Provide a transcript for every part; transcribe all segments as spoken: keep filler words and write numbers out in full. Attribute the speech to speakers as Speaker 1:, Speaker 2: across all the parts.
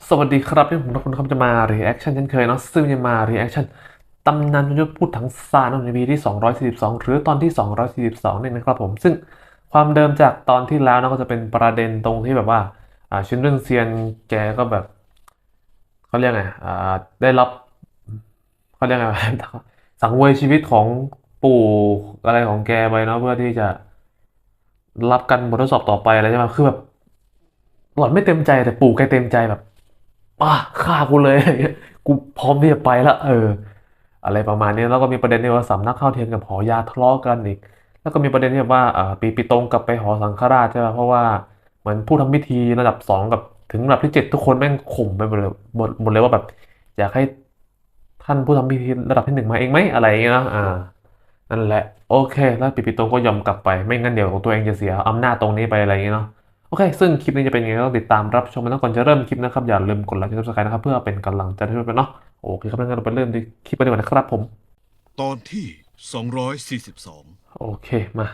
Speaker 1: สวัสดีครับที่ผมทุกคนครับจะมา reaction เช่นเคยเนาะซึ่งจะมา reaction ตำนานยุทธพูดถังซานใน อี พี ที่สองร้อยสี่สิบสองหรือตอนที่สองร้อยสี่สิบสองนี่นะครับผมซึ่งความเดิมจากตอนที่แล้วนะก็จะเป็นประเด็นตรงที่แบบว่าอ่าชินเรื่องเซียนแกก็แบบเขาเรียกไงอ่าได้รับเขาเรียกไงสังเวยชีวิตของปู่อะไรของแกไปเนาะเพื่อที่จะรับกันบททดสอบต่อไปอะไรใช่ไหมคือแบบหล่อนไม่เต็มใจแต่ปู่แกเต็มใจแบบ อ่ะฆ่ากูเลยอะไรเงี้ยกูพร้อมที่จะไปละเอออะไรประมาณนี้แล้วก็มีประเด็นที่ว่าสำนักข้าวเทียนกับหอยาทะเลาะกันอีกแล้วก็มีประเด็นที่ว่าอ่าปีปีตรงกลับไปหอสังฆราชใช่ไหมเพราะว่าเหมือนผู้ทำพิธีระดับสองกับถึงระดับที่เจ็ดทุกคนแม่งข่มไปหมดเลยหมดหมดเลยว่าแบบอยากให้ท่านผู้ทำพิธีระดับที่หนึ่งมาเองไหมอะไรอย่างเงี้ยนะอ่านั่นแหละโอเคแล้วปีปีตรงก็ยอมกลับไปไม่งั้นเดี๋ยวตัวเองจะเสียอำนาจตรงนี้ไปอะไรอย่างเงี้ยเนาะ โอเค ซึ่งคลิปนี้จะเป็นยังไงก็ต้องติดตามรับชมมันแล้วก่อนจะเริ่มคลิปนะครับอย่าลืมกดไลค์กดซับสไครต์นะครับเพื่อเป็นกำลังใจให้ด้วยเนาะโอเคครับงั้นเราไปเริ่มที่คลิปกันดีกว่านะครับผม
Speaker 2: ตอนที่สองร้อยสี่สิบสอง
Speaker 1: โอเคมา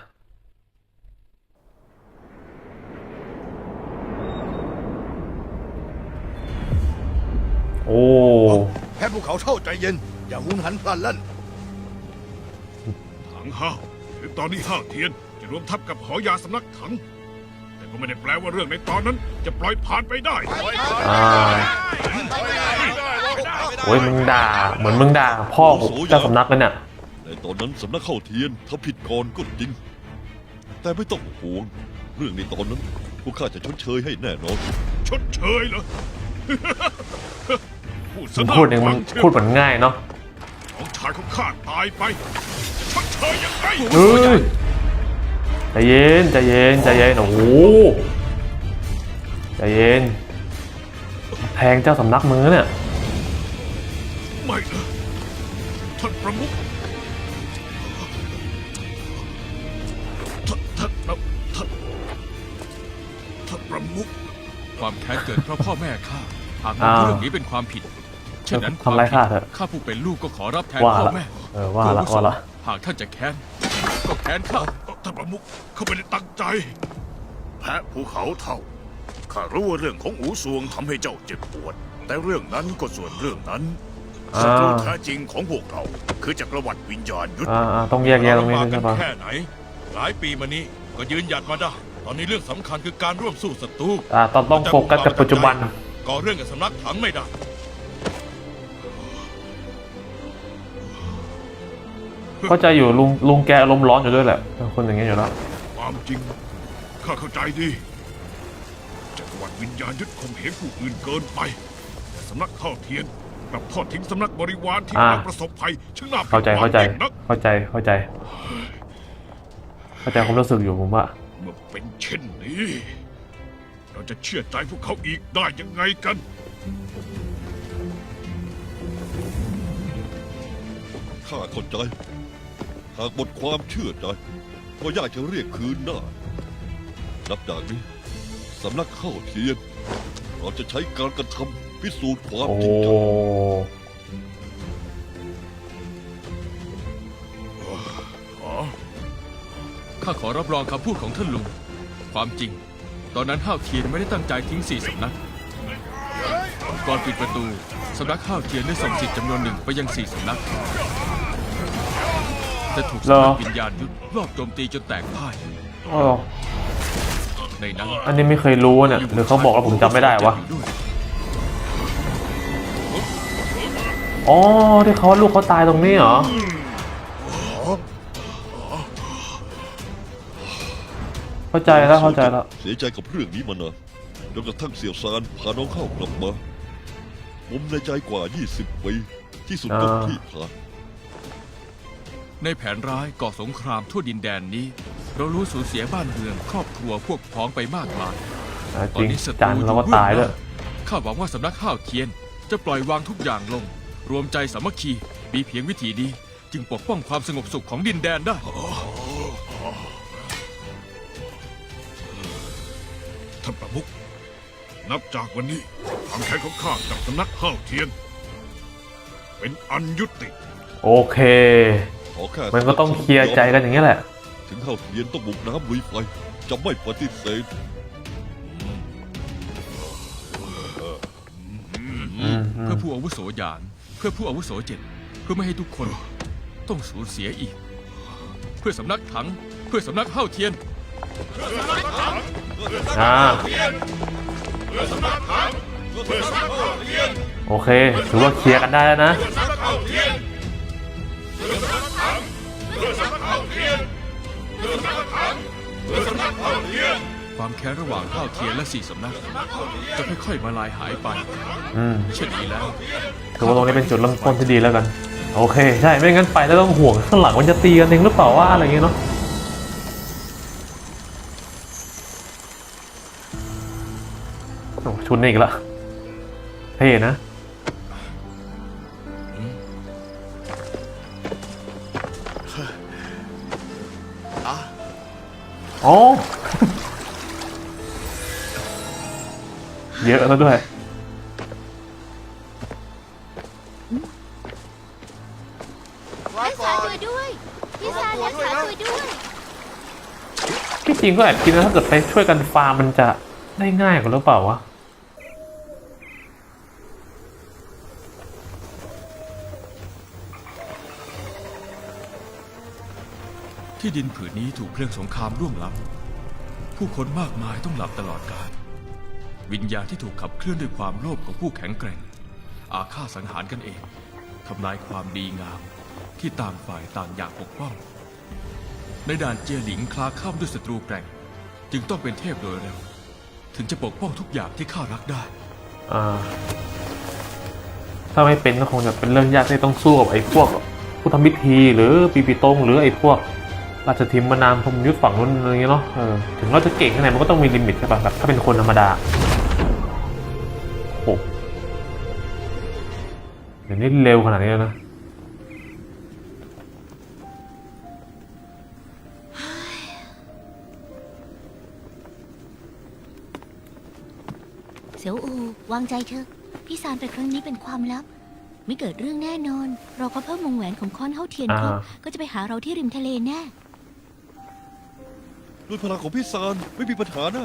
Speaker 1: โอ้
Speaker 3: แพ้ภูเขาเท่าใจเย็น อย่าหุนหันพลันแล่น
Speaker 2: ถังห้าวถึงตอนนี้ห้าวเทียนจะรวมทัพกับหอยาสำนักถัง แต่ก็ไม่ได้แปลว่าเรื่องในตอนนั้นจะปล่อยผ่านไปได้
Speaker 1: อ่าโอ้ยมึงด่าเหมือนมึงด่าพ่อเจ้าสำนักเลยเนี่ย
Speaker 4: ในตอนนั้นสำนักเข้าเทียนทำผิดก่อนก็จริง แต่ไม่ต้องห่วง เรื่องในตอนนั้นพวกข้าจะชดเชยให้แน่นอน
Speaker 2: ชดเชยเหรอ พูดซะ
Speaker 1: มึง
Speaker 2: น่า
Speaker 1: พูดเอง
Speaker 2: ฟั
Speaker 1: มัน
Speaker 2: งเชียว
Speaker 1: พูดเหมือนง่ายเนาะ
Speaker 2: น้องชายของข้าตายไปจะชดเชยยังไง
Speaker 1: เฮ้ยใจเย็นใจเย็นใจเย็นโอ้โหใจเย็นแทงเจ้าสำนักมือเนี่ย
Speaker 2: ไม่นะท่านประมุขท่านท่านท่านท่านท่านประมุข
Speaker 5: ความแค้นเกิดเพราะพ่อแม่ข้าหากม
Speaker 1: อ้า
Speaker 5: อง
Speaker 1: ว
Speaker 5: เรื่องนี้เป็นความผิดเช่นนั้น
Speaker 1: ทำไรข้าเถอะ
Speaker 5: ข้าผู้เป็นลูกก็ขอรับแทน
Speaker 1: ว่า
Speaker 5: พ่อ
Speaker 1: ละ
Speaker 5: แม่
Speaker 1: เออว่าละ
Speaker 5: ตัวอาวุโส
Speaker 1: ว่าละ
Speaker 5: หากท่านจะแค้นก็แค้นข้า
Speaker 2: ท่านประมุขเขาไม่ได้ตั้งใจ
Speaker 3: แพ้ภูเขาเท่า ข้ารู้ว่าเรื่องของอูซวงทำให้เจ้าเจ็บปวด แต่เรื่องนั้นก็ส่วนเรื่องนั้น
Speaker 1: อ่า
Speaker 3: ศัตรูแท้จริงของพวกเรา คือจักรวรรดิวิญญาณยุทธ
Speaker 1: อ่าอ่าต้องแยกแยะตรงนี้ด้วยใช่ปะ
Speaker 2: แค่ไหน หลายปีมานี้ก็ยืนหยัดมาได้ ตอนนี้เรื่องสำคัญคือการร่วมสู้ศัตรู
Speaker 1: อ่าต้องต้องโฟกัสกับปัจจุบัน
Speaker 2: ก่อเรื่องกับสำนักถังไม่ได้
Speaker 1: เข้าใจอยู่ลุงลุงแกอารมณ์ร้อนอยู่ด้วยแหละเป็นคนอย่างเงี้ยอยู่แล้ว
Speaker 2: ความจริง ข้าเข้าใจดี จักรวรรดิวิญญาณยึดข่มเหงผู้อื่นเกินไป แต่สำนักเข้าเทียนกลับทอดทิ้งสำนักบริวารที่
Speaker 1: อ่า
Speaker 2: กำลังประสบภัยช่างน่า
Speaker 1: เข้าใจ
Speaker 2: ผิดหวั
Speaker 1: เข้าง ใจ
Speaker 2: ยิ่งนัก
Speaker 1: เข้าใจเข้าใจ เข้าใจความรู้สึกอยู่ผมว่า
Speaker 2: เมื่อเป็นเช่นนี้ เราจะเชื่อใจพวกเขาอีกได้ยังไงกัน
Speaker 4: ข้าเข้าใจ หากหมดความเชื่อใจ ก็ยากจะเรียกคืนได้ นับจากนี้สำนักเข้าเทียน เราจะใช้การกระทำพิสูจน์ความ
Speaker 1: โอ้
Speaker 4: จริงใจ
Speaker 5: ข้าขอรับรองคำพูดของท่านลุง ความจริง ตอนนั้นห้าวเทียนไม่ได้ตั้งใจทิ้งสี่สำนัก ก่อนปิดประตูสำนักห้าวเทียนได้ส่งสิทธิ์จำนวนหนึ่งไปยังสี่สำนัก แต่ถูก
Speaker 1: เหร
Speaker 5: สำ
Speaker 1: อ
Speaker 5: นักวิญญาณยุทธรอบโจมตีจนแตกพ่าย
Speaker 1: อ๋อ
Speaker 5: ในนั้น
Speaker 1: อันนี้ไม่เคยรู้เนี่ยหรือเขาบอกแล้วผมจำไม่ได้วะ
Speaker 5: อยู่ด้วย
Speaker 1: อ๋อที่เขาลูกเขาตายตรงนี้เหรอเข้าใจแล้วเข้าใจแล้ว
Speaker 4: เสียใจกับเรื่องนี้มานานจนกระทั่งเสี่ยวซานพาน้องเข้ากลับมาผมในใจกว่า ยี่สิบ ปีที่สุดก็
Speaker 1: อ่า
Speaker 4: ที่ผ่าน
Speaker 5: ในแผนร้ายก่อสงครามทั่วดินแดนนี้ เรารู้สูญเสียบ้านเรือนครอบครัวพวกพ้องไปมากมาย
Speaker 1: อ่า
Speaker 5: ต
Speaker 1: จ
Speaker 5: อน
Speaker 1: ริง
Speaker 5: นี้ศัต
Speaker 1: จัน
Speaker 5: รู
Speaker 1: เราก็
Speaker 5: อยู่
Speaker 1: ตาย
Speaker 5: เบื้
Speaker 1: ด้
Speaker 5: อ
Speaker 1: วย
Speaker 5: งหน้าข้าหวังว่าสำนักข้าวเทียน จะปล่อยวางทุกอย่างลง รวมใจสามัคคีมีเพียงวิธีนี้ จึงปกป้องความสงบสุขของดินแดนได้
Speaker 2: ท่านประมุขนับจากวันนี้ความแค้นของข้ากับสำนักห้าวเทียน เป็นอันยุติ
Speaker 1: โอเค
Speaker 4: ขอแค่
Speaker 1: มันก็ต้องเคลียร์ใจกันอย่างนี้แหละ
Speaker 4: ถึงเข้าเทียนต้องบุกน้ำลุยไฟจะไม่ปฏิเสธ
Speaker 5: พื่อผู้อาวุโสหยาน เพื่อผู้อาวุโสเจ็ดเพื่อไม่ให้ทุกคนต้องสูญเสียอีก เพื่อสำนักถัง เพื่อสำนักเฮ้าเทียน
Speaker 1: อ่าโอเคถือว่าเคลียร์กันได้แล้วนะ
Speaker 5: ความแค้นระหว่างเฮ้าเทียนและสี่สำนัก จะค่อยๆมาลายหายไป
Speaker 1: อืม
Speaker 5: เช่นนี้แล้ว
Speaker 1: ถือว่าตรงนี้เป็นจุดเริ่มต้นที่ดีแล้วกัน โอเค ใช่ ไม่งั้นไปแล้วต้องห่วงข้างหลังมันจะตีกันเองหรือเปล่าว่าอะไรอย่างเงี้ยเนาะโอ้ชุดนี้อีกละเท่นะ อ๋อ เยอะแล้วด้วย
Speaker 6: รักษาตัวด้วย พี่ซานรักษาตัวด้วย
Speaker 1: ที่จริงก็แอบคิดนะถ้าเกิดไปช่วยกันฟาร์มมันจะได้ง่ายกว่าหรือเปล่าวะ
Speaker 5: ที่ดินผืนนี้ถูกเพลิงสงครามร่วงล้ำผู้คนมากมายต้องหลับตลอดกาลวิญญาณที่ถูกขับเคลื่อนด้วยความโลภของผู้แข็งแกร่ง อาฆาตสังหารกันเองทำลายความดีงามที่ต่างฝ่ายต่างอยากปกป้อง ในด่านเจียหลิงคลาข้ามด้วยศัตรูแกร่ง จึงต้องเป็นเทพโดยเร็ว ถึงจะปกป้องทุกอย่างที่ข้ารักได้
Speaker 1: อ่า ถ้าไม่เป็นก็คงจะเป็นเรื่องยากที่ต้องสู้กับไอ้พวกผู้ทำพิธีหรือปีปีตงหรือไอ้พวกราชทิมมานามพรหมยุทธฝั่งนู้นอะไรอย่างเงี้ยเนาะเออถึงเราจะเก่งแค่ไหนมันก็ต้องมีลิมิตใช่ป่ะแบบถ้าเป็นคนธรรมดาโอ้เดี๋ยวนี้เร็วขนาดนี้แล้วนะ
Speaker 6: เสี่ยวอูวางใจเถอะ พี่ซานไปครั้งนี้เป็นความลับ ไม่เกิดเรื่องแน่นอน เราก็เพิ่มวงแหวนของค้อนเฮ้าเทียนครบ
Speaker 1: อ่า
Speaker 6: ก็จะไปหาเราที่ริมทะเลแน่
Speaker 4: ด้วยพลังของพี่ซานไม่มีปัญหานะ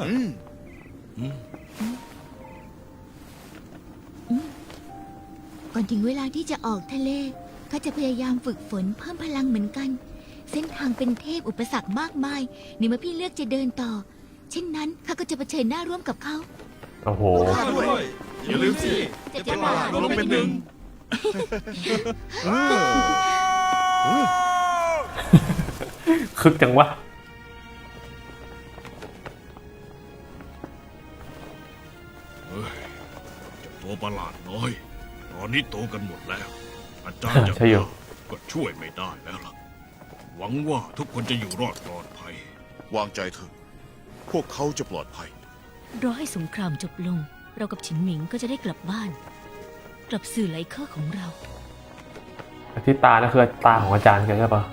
Speaker 6: ก่อนถึงเวลาที่จะออกทะเลข้าจะพยายามฝึกฝนเพิ่มพลังเหมือนกัน เส้นทางเป็นเทพอุปสรรคมากมายในเมื่อพี่เลือกจะเดินต่อ เช่นนั้นข้าก็จะเผชิญหน้าร่วมกับเขา
Speaker 1: โอ้โห
Speaker 3: อย่าลืมสิ
Speaker 6: จะจะมา
Speaker 3: เราลงเป็นหนึ่ง
Speaker 1: คึกจังวะ
Speaker 2: ตัวประหลาดน้อย ตอนนี้โตกันหมดแล้ว อาจารย์อย่าง
Speaker 1: ใช่อยู่
Speaker 2: ข้าก็ช่วยไม่ได้แล้วล่ะ หวังว่าทุกคนจะอยู่รอดปลอดภัย
Speaker 3: วางใจเถอะ พวกเขาจะปลอดภัย
Speaker 6: รอให้สงครามจบลง เรากับฉินหมิงก็จะได้กลับบ้าน กลับสื่อไหลเคอร์ของเรา
Speaker 1: ที่ตานั่นคือตาของอาจารย์แกใช่ปะ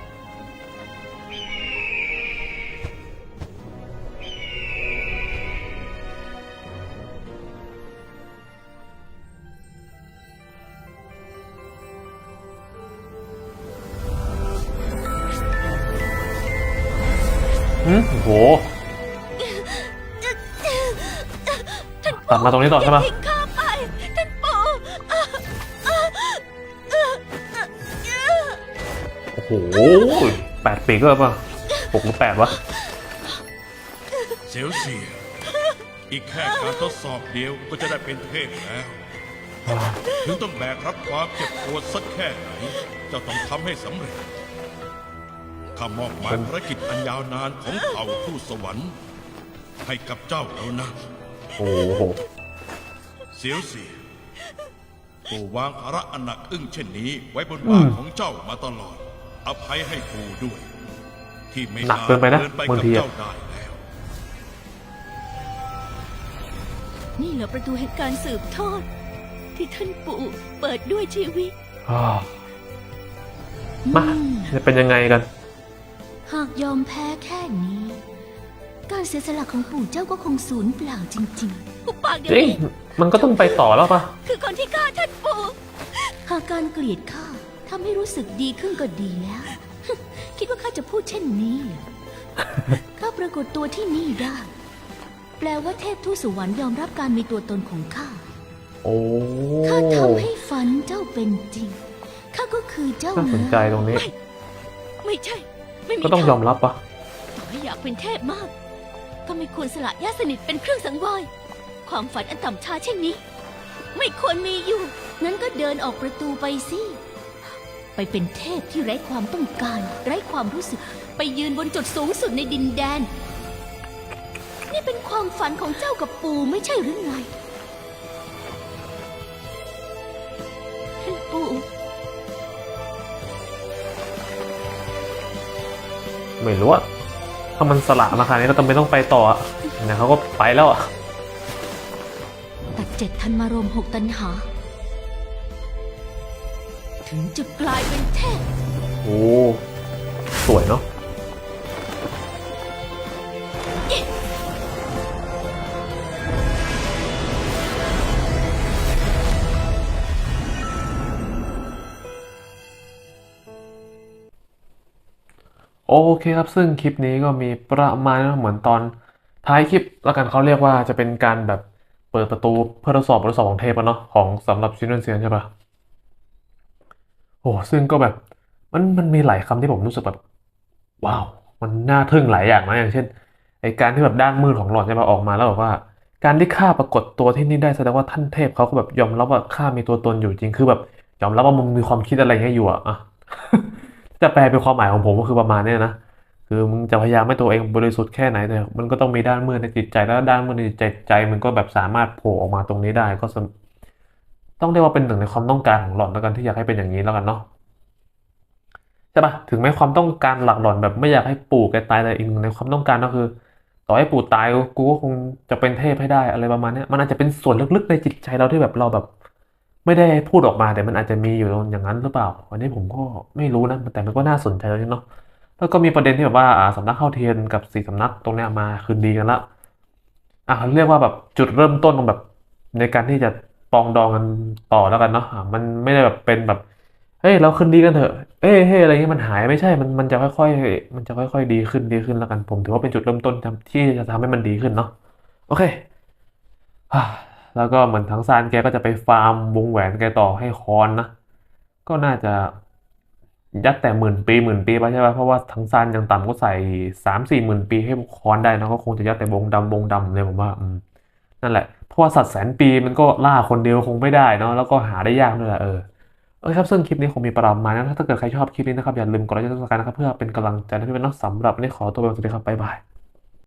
Speaker 1: อืมโอ้โหตัดมาตรงนี้ต่อใช่ปะ
Speaker 6: ทิ้งข้าไปท่านปู่
Speaker 1: โอ้โหแปดปีก็ปะหกหรือแปดวะ
Speaker 2: เสียวเสีย อีกแค่การทดสอบเดียวก็จะได้เป็นเทพแล้ว ถึงต้องแบกรับความเจ็บปวดสักแค่ไหน เจ้าต้องทำให้สำเร็จ ข้ามอบหมายภารกิจอันยาวนานของเผ่าทูตสวรรค์ ให้กับเจ้าแล้วนะ
Speaker 1: โอ้โห
Speaker 2: เสียวเสียปู่วางภาระอันหนักอึ้งเช่นนี้ไว้บนบ่าของเจ้ามาตลอด อภัยให้ปู่ด้วย ที่ไม่
Speaker 1: หนักเกินไปนะ
Speaker 2: เดินไป
Speaker 1: บาง
Speaker 2: กับ
Speaker 1: ทีอะ
Speaker 2: เจ้าได้แล้ว
Speaker 6: นี่เหรอประตูแห่งการสืบทอด ที่ท่านปู่เปิดด้วยชีวิต
Speaker 1: อ้าวมาจะเป็นยังไงกัน
Speaker 6: หากยอมแพ้แค่นี้ การเสียสละของปู่เจ้าก็คงสูญเปล่าจริงๆปุบปากเดี๋ยว
Speaker 1: จริง
Speaker 6: นี้
Speaker 1: มันก็ต้องไปต่อแล้วปะ
Speaker 6: คือคนที่ฆ่าท่านปู่หากการเกลียดข้าทำให้รู้สึกดีขึ้นก็ดีแล้ว คิดว่าข้าจะพูดเช่นนี้เหรอ ข้าปรากฏตัวที่นี่ได้ แปลว่าเทพทูตสวรรค์ยอมรับการมีตัวตนของข้า
Speaker 1: โอ้
Speaker 6: ข้าทำให้ฝันเจ้าเป็นจริง ข้าก็คือเจ้า
Speaker 1: น่าสนใจตรงนี้
Speaker 6: ไม่ใช่ ไม่มี
Speaker 1: ก็ต้องยอมรับปะ
Speaker 6: ต่อให้อยากเป็นเทพมาก ก็ไม่ควรสละญาติสนิทเป็นเครื่องสังเวยความฝันอันต่ำช้าเช่นนี้ ไม่ควรมีอยู่ งั้นก็เดินออกประตูไปสิ ไปเป็นเทพที่ไร้ความต้องการ ไร้ความรู้สึก ไปยืนบนจุดสูงสุดในดินแดน นี่เป็นความฝันของเจ้ากับปู่ไม่ใช่หรือไงท่านปู่
Speaker 1: ไม่รู้อะถ้ามันสละมาขนาดนี้ก็ต้องไม่ต้องไปต่ออะเนี่ยเขาก็ไปแล้วอะ
Speaker 6: ตัดเจ็ดธันมารมหกตันหา ถึงจะกลายเป็นเทพ
Speaker 1: โอ้สวยเนาะโอเคครับซึ่งคลิปนี้ก็มีประมาณนั้นเหมือนตอนท้ายคลิปแล้วกันเขาเรียกว่าจะเป็นการแบบเปิดประตูเพื่อทดสอบบททดสอบของเทพอะเนาะของสำหรับซินเนเซียนใช่ปะโอ้ซึ่งก็แบบมันมันมีหลายคำที่ผมรู้สึกแบบว้าวมันน่าทึ่งหลายอย่างนะอย่างเช่นไอการที่แบบด้านมืดของหลอดใช่ปะออกมาแล้วแบบว่า การที่ข้าปรากฏตัวที่นี่ได้แสดงว่าท่านเทพเขาก็แบบยอมรับว่าข้ามีตัวตนอยู่จริงคือแบบยอมรับว่ามึงมีความคิดอะไรเงี้ยอยู่อะอะ จะแปลเป็นความหมายของผมก็คือประมาณเนี้ยนะคือมึงจะพยายามให้ตัวเองบริสุทธิ์แค่ไหนแต่มันก็ต้องมีด้านมืดในจิตใจแล้วด้านมืดในจิตใจใจมันก็แบบสามารถโผล่ออกมาตรงนี้ได้ก็สำต้องเรียกว่าเป็นหนึ่งในความต้องการของหล่อนแล้วกันที่อยากให้เป็นอย่างนี้แล้วกันเนาะใช่ปะถึงแม้ความต้องการหลักหล่อนแบบไม่อยากให้ปู่แกตายแต่อีกหนึ่งในความต้องการก็คือ ต่อให้ปู่ตายกูก็คงจะเป็นเทพให้ได้อะไรประมาณเนี้ยมันอาจจะเป็นส่วนลึกๆในจิตใจเราที่แบบเราแบบไม่ได้พูดออกมาแต่มันอาจจะมีอยู่อย่างนั้นหรือเปล่าอันนี้ผมก็ไม่รู้นะแต่มันก็น่าสนใจแล้วเนาะแล้วก็มีประเด็นที่แบบว่าอ่าสำนักข้าวเทียนกับสี่สำนักตรงเนี้ยมาคืนดีกันละอ่ะเรียกว่าแบบจุดเริ่มต้นของแบบในการที่จะปรองดองกันต่อแล้วกันเนาะอ่ะมันไม่ได้แบบเป็นแบบเฮ้ยเราคืนดีกันเถอะเอ้ยเฮ้ยอะไรเงี้ยมันหายไม่ใช่มันมันจะค่อยๆมันจะค่อยๆดีขึ้นดีขึ้นแล้วกันผมถือว่าเป็นจุดเริ่มต้นทำที่จะทำให้มันดีขึ้นเนาะโอเค อ่าแล้วก็เหมือนทั้งซานแกก็จะไปฟาร์มวงแหวนแกต่อให้คอนนะก็น่าจะยัดแต่หมื่นปีหมื่นปีไปใช่ไหมเพราะว่าทั้งซานยังต่ำก็ใส่สามสี่หมื่นปีให้คอนได้นะก็คงจะยัดแต่วงดำวงดำเลยผมว่าอืมนั่นแหละเพราะว่าสัตว์แสนปีมันก็ล่าคนเดียวคงไม่ได้เนาะแล้วก็หาได้ยากด้วยแหละเออโอเคครับซึ่งคลิปนี้คงมีประมาณนั้นถ้าเกิดใครชอบคลิปนี้นะครับอย่าลืมกดไลค์กดซับสไครต์นะครับเพื่อเป็นกำลังใจให้พี่เป็นนักสำหรับวันนี้ขอตัวไปก่อนสวัสดีครับบ๊ายบาย